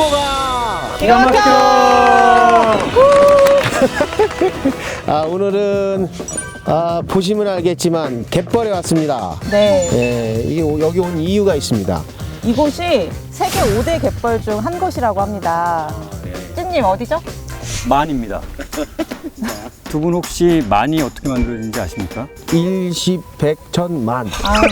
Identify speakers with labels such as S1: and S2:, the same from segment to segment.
S1: 주모가
S2: 기가 막혀!
S1: 오늘은 보시면 알겠지만 갯벌에 왔습니다.
S2: 네.
S1: 예, 이게 여기 온 이유가 있습니다.
S2: 이곳이 세계 5대 갯벌 중 한 곳이라고 합니다. 찐님 어디죠?
S3: 만입니다. 두 분 혹시 만이 어떻게 만들어지는지 아십니까?
S1: 일십, 백, 천, 만.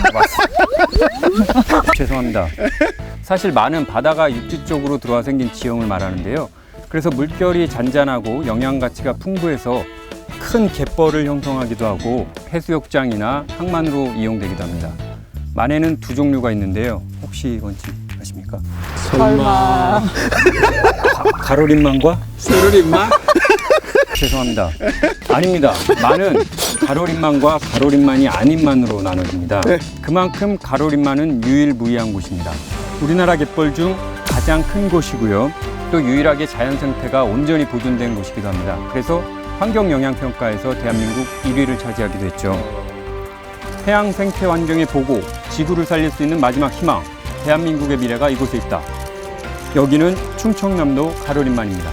S3: 죄송합니다. 사실 만은 바다가 육지 쪽으로 들어와 생긴 지형을 말하는데요. 그래서 물결이 잔잔하고 영양 가치가 풍부해서 큰 갯벌을 형성하기도 하고 해수욕장이나 항만으로 이용되기도 합니다. 만에는 두 종류가 있는데요. 혹시 뭔지 아십니까?
S2: 설마.
S3: 가로림만과
S1: 세로림만?
S3: 죄송합니다. 아닙니다. 만은 가로림만과 가로림만이 아닌 만으로 나눠집니다. 그만큼 가로림만은 유일무이한 곳입니다. 우리나라 갯벌 중 가장 큰 곳이고요. 또 유일하게 자연 생태가 온전히 보존된 곳이기도 합니다. 그래서 환경영향평가에서 대한민국 1위를 차지하기도 했죠. 해양 생태 환경의 보고, 지구를 살릴 수 있는 마지막 희망, 대한민국의 미래가 이곳에 있다. 여기는 충청남도 가로림만입니다.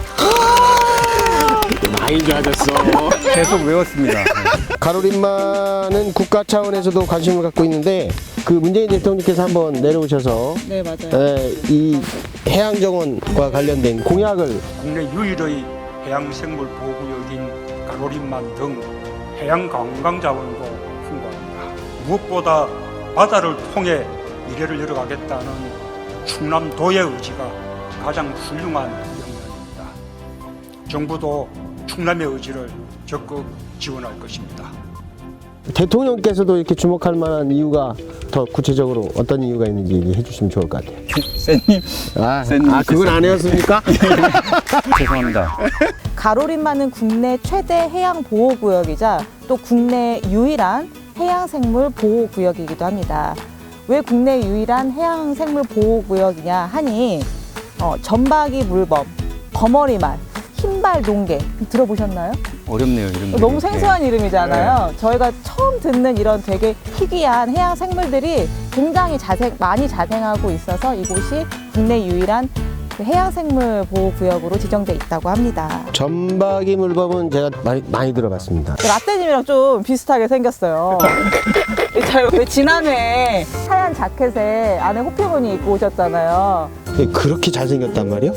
S1: 많이 좋아졌어.
S3: 계속 외웠습니다.
S1: 가로림만은 국가 차원에서도 관심을 갖고 있는데 그 문재인 대통령께서 한번 내려오셔서
S2: 네, 맞아요.
S1: 이 해양정원과 관련된 공약을
S4: 국내 유일의 해양생물보호구역인 가로림만 등 해양관광자원도 풍부합니다. 무엇보다 바다를 통해 미래를 열어가겠다는 충남도의 의지가 가장 훌륭한 역량입니다. 정부도 충남의 의지를 적극 지원할 것입니다.
S1: 대통령께서도 이렇게 주목할 만한 이유가 더 구체적으로 어떤 이유가 있는지 얘기해 주시면 좋을 것 같아요.
S3: 쌤님, 쌤님
S1: 그건 안 해왔습니까?
S3: 죄송합니다.
S2: 가로림만은 국내 최대 해양 보호구역이자 또 국내 유일한 해양생물 보호구역이기도 합니다. 왜 국내 유일한 해양생물 보호구역이냐 하니 점박이 물범, 거머리말, 흰발 농개 들어보셨나요?
S3: 어렵네요, 이름.
S2: 너무 생소한 이름이잖아요. 저희가 처음 듣는 이런 되게 희귀한 해양 생물들이 굉장히 많이 자생하고 있어서 이곳이 국내 유일한 그 해양생물 보호구역으로 지정돼 있다고 합니다.
S1: 점박이 물범은 제가 많이 들어봤습니다.
S2: 라떼님이랑 좀 비슷하게 생겼어요. 왜 지난해 하얀 자켓에 안에 호피무늬 입고 오셨잖아요.
S1: 그렇게 잘생겼단 말이요?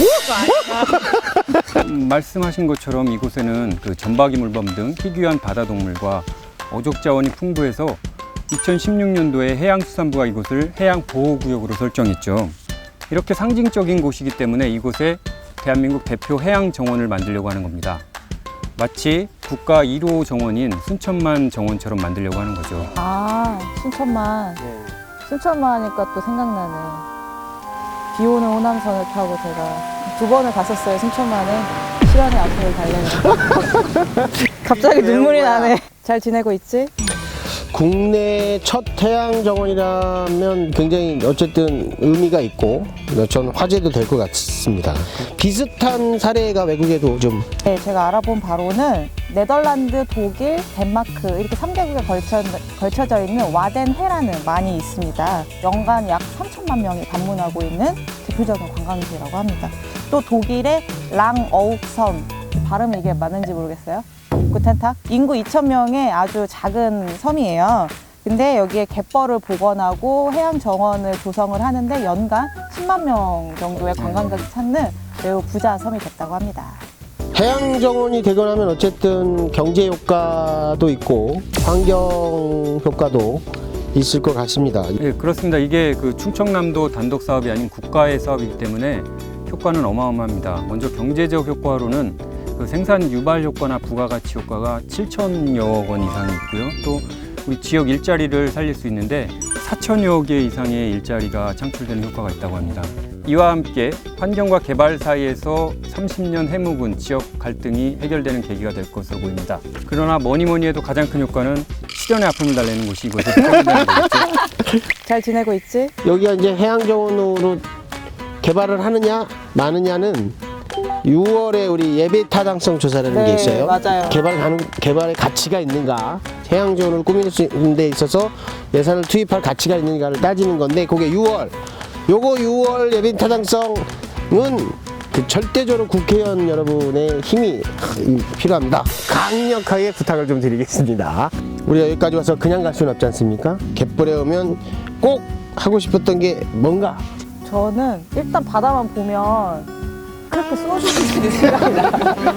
S3: 말씀하신 것처럼 이곳에는 그 점박이 물범 등 희귀한 바다 동물과 어족 자원이 풍부해서 2016년도에 해양수산부가 이곳을 해양보호구역으로 설정했죠. 이렇게 상징적인 곳이기 때문에 이곳에 대한민국 대표 해양정원을 만들려고 하는 겁니다. 마치 국가 1호 정원인 순천만 정원처럼 만들려고 하는 거죠.
S2: 아, 순천만. 순천만 하니까 또 생각나네. 비 오는 호남선을 타고 제가 2번을 갔었어요, 순천만에. 시간의 앞을 달래는. 갑자기 눈물이 나네. 잘 지내고 있지?
S1: 국내 첫 해양정원이라면 굉장히 어쨌든 의미가 있고 전 화제도 될 것 같습니다. 비슷한 사례가 외국에도 좀
S2: 네, 제가 알아본 바로는 네덜란드, 독일, 덴마크 이렇게 3개국에 걸쳐져 있는 와덴해라는 만이 있습니다. 연간 약 3천만 명이 방문하고 있는 대표적인 관광지라고 합니다. 또 독일의 랑어욱섬, 발음이 이게 맞는지 모르겠어요. 구텐탁? 인구 2,000명의 아주 작은 섬이에요. 근데 여기에 갯벌을 복원하고 해양 정원을 조성을 하는데 연간 10만 명 정도의 관광객이 찾는 매우 부자 섬이 됐다고 합니다.
S1: 해양정원이 되고 나면 어쨌든 경제 효과도 있고 환경 효과도 있을 것 같습니다.
S3: 예, 그렇습니다. 이게 그 충청남도 단독 사업이 아닌 국가의 사업이기 때문에 효과는 어마어마합니다. 먼저 경제적 효과로는 그 생산 유발 효과나 부가가치 효과가 7천여 원 이상이 있고요. 또 우리 지역 일자리를 살릴 수 있는데 4천여 개 이상의 일자리가 창출되는 효과가 있다고 합니다. 이와 함께 환경과 개발 사이에서 30년 해묵은 지역 갈등이 해결되는 계기가 될 것으로 보입니다. 그러나 뭐니 해도 가장 큰 효과는 실현의 아픔을 달래는 곳이 이곳에 포함되는 거겠죠.
S2: 잘 지내고 있지?
S1: 여기가 이제 해양정원으로 개발을 하느냐 마느냐는 6월에 우리 예배 타당성 조사라는 게 있어요.
S2: 맞아요.
S1: 개발의 가치가 있는가, 해양정원을 꾸밀 수 있는 데 있어서 예산을 투입할 가치가 있는가를 따지는 건데 그게 6월. 요거 6월 예배 타당성 그 절대적으로 국회의원 여러분의 힘이 필요합니다. 강력하게 부탁을 좀 드리겠습니다. 우리가 여기까지 와서 그냥 갈 수는 없지 않습니까? 갯벌에 오면 꼭 하고 싶었던 게 뭔가?
S2: 저는 일단 바다만 보면 그렇게 소주들이 생각이 나.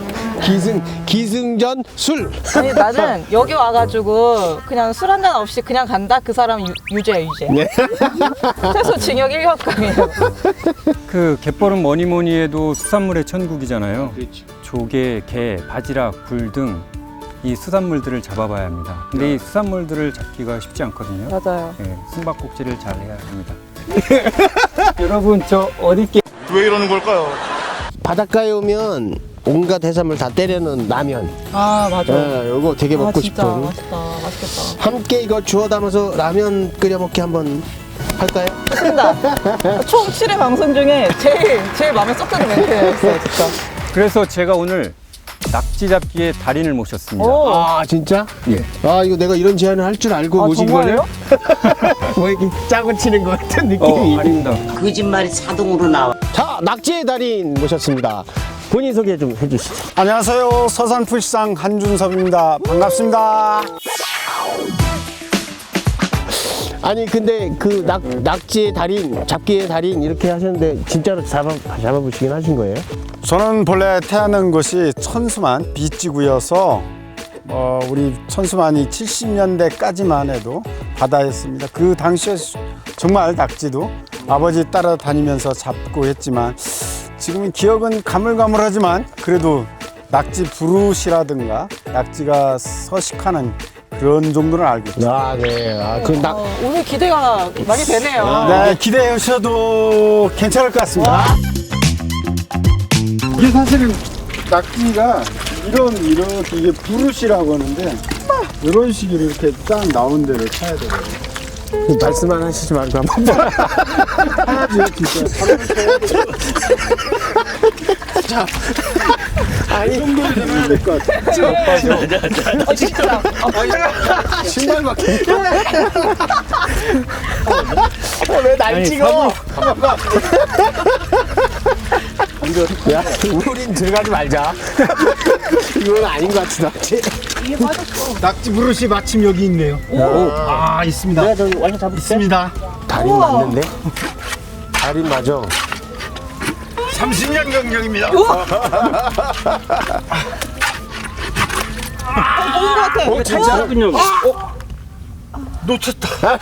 S1: 기승전 술.
S2: 아니 나는 여기 와가지고 그냥 술 한잔 없이 그냥 간다? 그 사람은 유죄야 유죄.
S1: 네.
S2: 최소 징역 1년감이에요.
S3: 그 갯벌은 뭐니 뭐니 해도 수산물의 천국이잖아요. 조개, 게, 바지락, 굴 등 이 수산물들을 잡아봐야 합니다. 근데 이 수산물들을 잡기가 쉽지 않거든요.
S2: 맞아요.
S3: 네, 숨바꼭질을 잘 해야 합니다. 여러분 저 어디께
S5: 왜 이러는 걸까요?
S1: 바닷가에 오면 온갖 해산물 다 때려놓은 라면.
S2: 아 맞아.
S1: 요거 되게 먹고
S2: 진짜
S1: 싶은.
S2: 맛있다. 맛있겠다.
S1: 함께 이거 주워 담아서 라면 끓여 먹기 한번 할까요?
S2: 좋습니다. 총 7회 방송 중에 제일 마음에 쏙 드는 멘트였어요, 진짜.
S3: 그래서 제가 오늘 낙지 잡기의 달인을 모셨습니다.
S2: 오.
S1: 아 진짜?
S3: 예.
S1: 아 이거 내가 이런 제안을 할 줄 알고
S2: 아,
S1: 모신
S2: 정말요?
S1: 거예요? 뭐 이렇게 짜고 치는 것 같은 느낌이.
S3: 아닙니다.
S6: 거짓말이 자동으로 나와.
S1: 자, 낙지의 달인 모셨습니다. 본인 소개 좀 해주시죠.
S5: 안녕하세요. 서산풀시장 한준섭입니다. 반갑습니다.
S1: 아니 근데 그 낙지의 달인, 잡기의 달인 이렇게 하셨는데 진짜로 잡아보시긴 하신 거예요?
S5: 저는 본래 태어난 곳이 천수만 빗지구여서 우리 천수만이 70년대까지만 해도 바다였습니다. 그 당시에 정말 낙지도 아버지 따라다니면서 잡고 했지만 지금은 기억은 가물가물하지만 그래도 낙지 부르시라든가 낙지가 서식하는 그런 정도는 알고 있죠.
S1: 아, 네.
S2: 오늘 기대가 많이 되네요.
S5: 네, 기대하셔도 괜찮을 것 같습니다. 이게 사실은 낙지가 이렇게 이게 부르시라고 하는데 이런 식으로 이렇게 딱 나온 데를 쳐야 돼요.
S1: 말씀만 하시지 말고 한번.
S5: 하나지요, 진짜.
S1: 자, 아니,
S5: 이 정도는 해야 될 것 같아요.
S2: 진짜.
S1: 신발 밖에. 왜 날 찍어? 야, 우린 들어가지 말자. 이건 아닌 것 같은데.
S5: 낙지 부르시 마침 여기 있네요. 있습니다.
S1: 내가 좀 완전 잡을
S5: 있습니다.
S1: 달인 맞는데? 달인 맞아.
S5: 30년 경력입니다. 놓쳤다.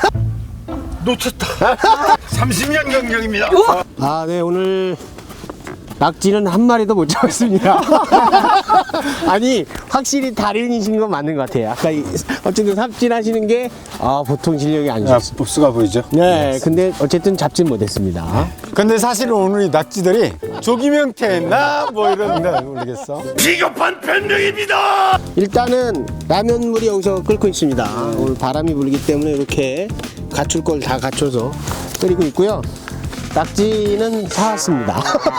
S5: 30년 경력입니다.
S1: 아, 네, 오늘 낙지는 한 마리도 못 잡았습니다. 아니, 확실히 달인이신 건 맞는 것 같아요. 아까 어쨌든 삽질하시는 게 보통 실력이 아니셨어요.
S5: 복수가 보이죠?
S1: 네, 근데 어쨌든 잡진 못했습니다.
S5: 근데 사실은 오늘 이 낙지들이 조기명태나 뭐 이런데 모르겠어. 비겁한 변명입니다.
S1: 일단은 라면물이 여기서 끓고 있습니다. 오늘 바람이 불기 때문에 이렇게 갖출 걸 다 갖춰서 끓이고 있고요. 낙지는 사왔습니다.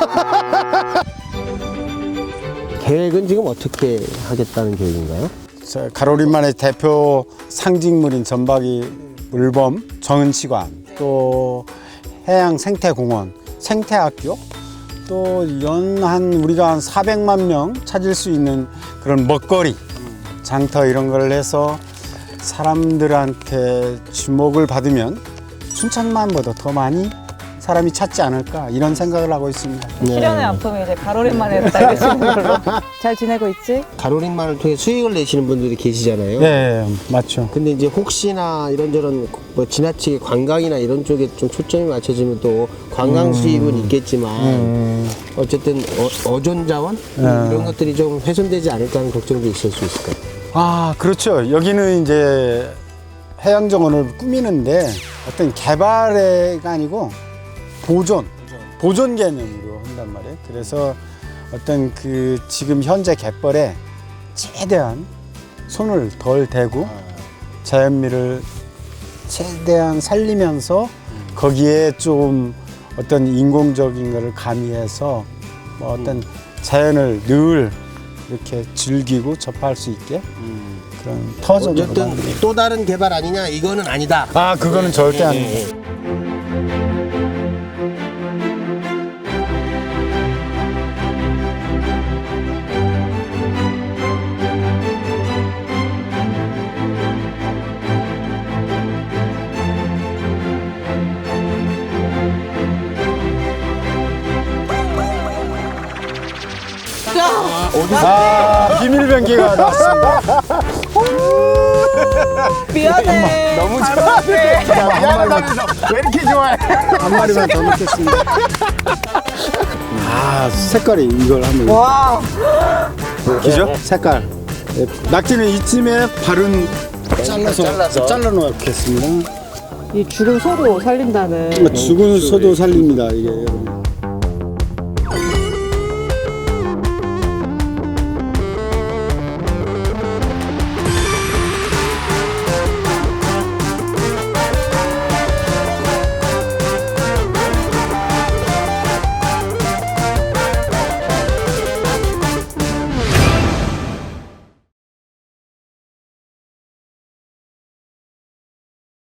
S1: 계획은 지금 어떻게 하겠다는 계획인가요?
S5: 가로림만의 대표 상징물인 전박이 물범 정은치관, 또 해양 생태공원, 생태학교, 또 우리가 한 400만 명 찾을 수 있는 그런 먹거리, 장터 이런 걸 해서 사람들한테 주목을 받으면 춘천만보다 더 많이 사람이 찾지 않을까 이런 생각을 하고 있습니다.
S2: 실현의 아픔이 이제 가로림만에 달려지는 걸로. 잘 지내고 있지?
S1: 가로링만을 통해 수익을 내시는 분들이 계시잖아요.
S5: 네, 맞죠.
S1: 근데 이제 혹시나 이런저런 뭐 지나치게 관광이나 이런 쪽에 좀 초점이 맞춰지면 또 관광 수입은 있겠지만 어쨌든 어존 자원 이런 것들이 좀 훼손되지 않을까 하는 걱정도 있을 수 있을까요?
S5: 그렇죠. 여기는 이제 해양정원을 꾸미는데 어떤 개발가 아니고 보존 개념으로 한단 말이에요. 그래서 어떤 그 지금 현재 갯벌에 최대한 손을 덜 대고 자연미를 최대한 살리면서 거기에 좀 어떤 인공적인 거를 가미해서 뭐 어떤 자연을 늘 이렇게 즐기고 접할 수 있게 그런 터전으로
S1: 어쨌든
S5: 만듭니다.
S1: 또 다른 개발 아니냐 이거는 아니다.
S5: 그거는 절대 아닙니다. 아, 비밀 변기가 나왔습니다.
S2: 미안해.
S5: 너무 좋아하네. 미안하다면서 왜 이렇게 좋아해? 한 마리만 더 넣겠습니다. 아, 색깔이 이걸 한번.
S2: 와.
S5: 기죠? 색깔. 예, 낙지는 이쯤에 바른 잘라 놓겠습니다.
S2: 이 죽은 소도 살린다는.
S5: 죽은 소도 살립니다. 이게 여러분.